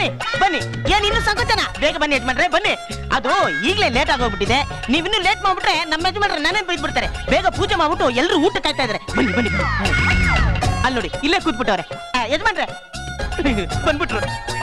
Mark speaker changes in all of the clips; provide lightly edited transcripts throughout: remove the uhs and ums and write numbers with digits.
Speaker 1: ಬನ್ನಿ ಬನ್ನಿ, ಏನ್ ಇನ್ನು ಸಂಕೋಚನ? ಬೇಗ ಬನ್ನಿ ಯಜಮಾನ್ರೆ, ಬನ್ನಿ. ಅದು ಈಗಲೇ ಲೇಟ್ ಆಗೋಗ್ಬಿಟ್ಟಿದೆ. ನೀವಿನ್ನೂ ಲೇಟ್ ಮಾಡ್ಬಿಟ್ರೆ ನಮ್ಮ ಯಜಮಾನ್ರೆ ನಾನೇ ಬೈದ್ಬಿಡ್ತಾರೆ. ಬೇಗ ಪೂಜೆ ಮಾಡ್ಬಿಟ್ಟು ಎಲ್ಲರೂ ಊಟ ಕಾಯ್ತಾ ಇದಾರೆ. ಬನ್ನಿ ಬನ್ನಿ. ಅಲ್ಲಿ ನೋಡಿ, ಇಲ್ಲೇ ಕೂತ್ಬಿಟ್ಟವ್ರೆ ಯಜಮಾನ್ರೆ. ಬಂದ್ಬಿಟ್ರು.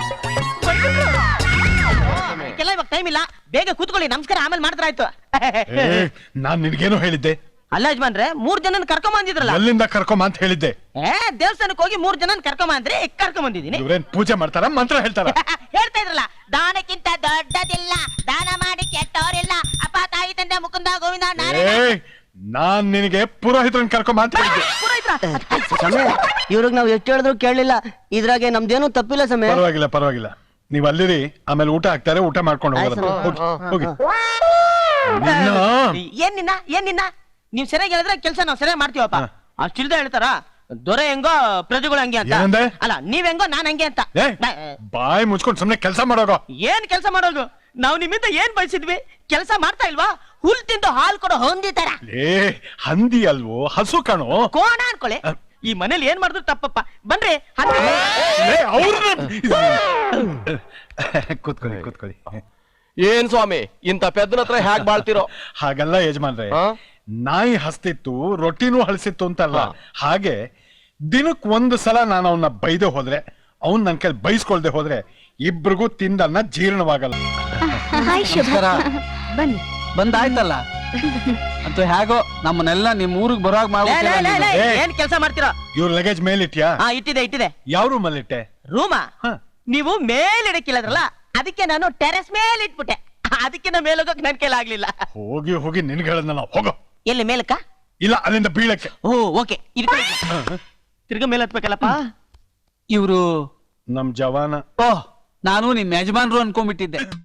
Speaker 1: ಕೆಲ ಇವಾಗ ಟೈಮ್ ಇಲ್ಲ, ಬೇಗ ಕೂತ್ಕೊಳ್ಳಿ. ನಮಸ್ಕಾರ ಆಮೇಲೆ ಮಾಡ್ತಾರಾಯ್ತು.
Speaker 2: ನಾನ್ ನಿನ್ಗೇನು ಹೇಳಿದ್ದೆ?
Speaker 1: ಅಲ್ಲ ಯಜಮಾನ್ರೆ, 3 ಜನನ ಕರ್ಕೊಂಡ್ ಬಂದಿದ್ರಲ್ಲ.
Speaker 2: ಎಲ್ಲಿಂದ ಕರ್ಕೊಂಬ ಅಂತ ಹೇಳಿದ್ದೆ?
Speaker 1: ದೇವಸ್ಥಾನಕ್ಕೆ ಹೋಗಿ 3 ಜನನ ಕರ್ಕೊಂಡ್ ಬಂದ್ರಿ, ಕರ್ಕೊಂಡ್ ಬಂದಿದ್ದೀನಿ.
Speaker 2: ಇವ್ರೇನ್ ಪೂಜೆ ಮಾಡ್ತಾರ, ಮಂತ್ರ ಹೇಳ್ತಾರ?
Speaker 1: ಹೇಳ್ತಾ ಇದ್ರಲ್ಲ, ದಾನಕ್ಕಿಂತ ದೊಡ್ಡದಿಲ್ಲ, ದಾನ ಮಾಡಿ ಕೆಟ್ಟವರಿಲ್ಲ, ಅಪ್ಪ ತಾಯಿ ತಂದೆ ಮುಕುಂದ ಗೋವಿಂದ.
Speaker 2: ನಾನ್ ನಿನಗೆ ಪುರೋಹಿತರನ್ನ ಕರ್ಕೊಂಬ ಅಂತ ಹೇಳಿದ್ದೆ.
Speaker 3: ಇವ್ರಿಗೆ ನಾವ್ ಎಷ್ಟು ಹೇಳಿದ್ರು ಕೇಳಲಿಲ್ಲ. ಇದ್ರಾಗೆ ನಮ್ದೇನು ತಪ್ಪಿಲ್ಲ ಸಮಯ.
Speaker 2: ಪರವಾಗಿಲ್ಲ ಪರವಾಗಿಲ್ಲ, ನೀವ್ ಅಲ್ಲಿರಿ. ಆಮೇಲೆ ಊಟ ಹಾಕ್ತಾರೆ, ಊಟ ಮಾಡ್ಕೊಂಡು ಹೋಗಿ.
Speaker 1: ಏನ್ ನಿನ್ನ ನೀವ್ ಸರಿಯಾಗಿ ಹೇಳಿದ್ರೆ ಕೆಲಸ ನಾವ್ ಸರಿಯಾಗಿ ಮಾಡ್ತೀವಪ್ಪ. ಅಷ್ಟಿಲ್ದ ಹೇಳ್ತಾರ ದೊರೆ ಹೆಂಗೋ ಪ್ರಜೆಗಳು ಹಂಗೆ ಅಂತ. ಅಲ್ಲ, ನೀವ್ ಹೆಂಗೋ ನಾನ್ ಹಂಗೆ ಅಂತ.
Speaker 2: ಬಾಯಿ ಮುಚ್ಕೊಂಡು ಸುಮ್ನೆ ಕೆಲಸ ಮಾಡೋಗೋ.
Speaker 1: ಏನ್ ಕೆಲಸ ಮಾಡೋದು? ನಾವ್ ನಿಮ್ಮಿಂದ ಏನ್ ಬಯಸಿದ್ವಿ? ಕೆಲಸ ಮಾಡ್ತಾ ಇಲ್ವಾ? ಹುಲ್ ತಿಂದು ಹಾಲ್ ಕೊಡೋ ಹೊಂದಿತಾರ.
Speaker 2: ಹಂದಿ ಅಲ್ವೋ, ಹಸು ಕಣೋ.
Speaker 1: ಕೋಣ ಅನ್ಕೊಳ್ಳಿ. ಈ ಮನೇಲಿ ಏನ್ ಮಾಡಿದ್ರು ತಪ್ಪಪ್ಪ. ಬನ್ರಿ
Speaker 2: ಕೂತ್ಕೊಳ್ಳಿ ಕೂತ್ಕೊಳ್ಳಿ.
Speaker 4: ಏನ್ ಸ್ವಾಮಿ, ಇಂತ ಪೆದ್ದನ ಹತ್ರ ಹ್ಯಾಕ್ ಬಾಳ್ತಿರೋ?
Speaker 2: ಹಾಗಲ್ಲ ಯಜಮಾನ್ರೆ, ನಾಯಿ ಹಸ್ತಿತ್ತು, ರೊಟ್ಟಿನೂ ಹಳಸಿತ್ತು ಅಂತಲ್ಲ. ಹಾಗೆ ದಿನಕ್ 1 ಸಲ ನಾನು ಅವನ್ನ ಬೈದೆ ಹೋದ್ರೆ, ಅವ್ನ್ ನನ್ ಕೈಲಿ ಬೈಸ್ಕೊಳ್ದೆ ಹೋದ್ರೆ ಇಬ್ರಿಗೂ ತಿಂದನ್ನ ಜೀರ್ಣವಾಗಲ್ಲ.
Speaker 5: ಬನ್ನಿ, ಬಂದಾಯ್ತಲ್ಲ. ಅಂತೂ ಹೇಗೋ ನಮ್ಮನ್ನೆಲ್ಲ ನಿಮ್ ಊರಿಗೆ ಬರುವಾಗ ಮಾಡ್ಬಿಟ್ಟು.
Speaker 1: ಏನ್ ಕೆಲಸ ಮಾಡ್ತೀರಾ?
Speaker 2: ಇವ್ರ ಲಗೇಜ್ ಮೇಲಿಟ್ಯಾ?
Speaker 1: ಇಟ್ಟಿದೆ.
Speaker 2: ಯಾವ ರೂಮಲ್ಲಿ ಇಟ್ಟೆ?
Speaker 1: ರೂಮಾ? ನೀವು ಮೇಲಿಡಕ್ಕಿಲ್ಲದ್ರಲ್ಲ, ಅದಕ್ಕೆ ನಾನು ಟೆರೆಸ್ ಮೇಲೆ ಇಟ್ಬಿಟ್ಟೆ. ಅದಕ್ಕೆ ನಾ ಮೇಲೆ ಹೋಗಕ್ ನನ್ ಕೈಲಾಗ್ಲಿಲ್ಲ.
Speaker 2: ಹೋಗಿ ಹೋಗಿ ನಿನ್ಗೆ ಹೇಳದ್ನ ನಾವು. ಹೋಗೋ.
Speaker 1: ಎಲ್ಲಿ ಮೇಲಕ್ಕ?
Speaker 2: ಇಲ್ಲ, ಅಲ್ಲಿಂದ ಬೀಳಕ್ಕೆ.
Speaker 1: ಓಕೆ. ತಿರ್ಗ ಮೇಲೆ ಹತ್ಬೇಕಲ್ಲಪ್ಪ.
Speaker 5: ಇವ್ರು
Speaker 2: ನಮ್ ಜವಾನ.
Speaker 5: ಓಹ್, ನಾನು ನಿಮ್ ಯಜಮಾನ್ರು ಅನ್ಕೊಂಡ್ಬಿಟ್ಟಿದ್ದೆ.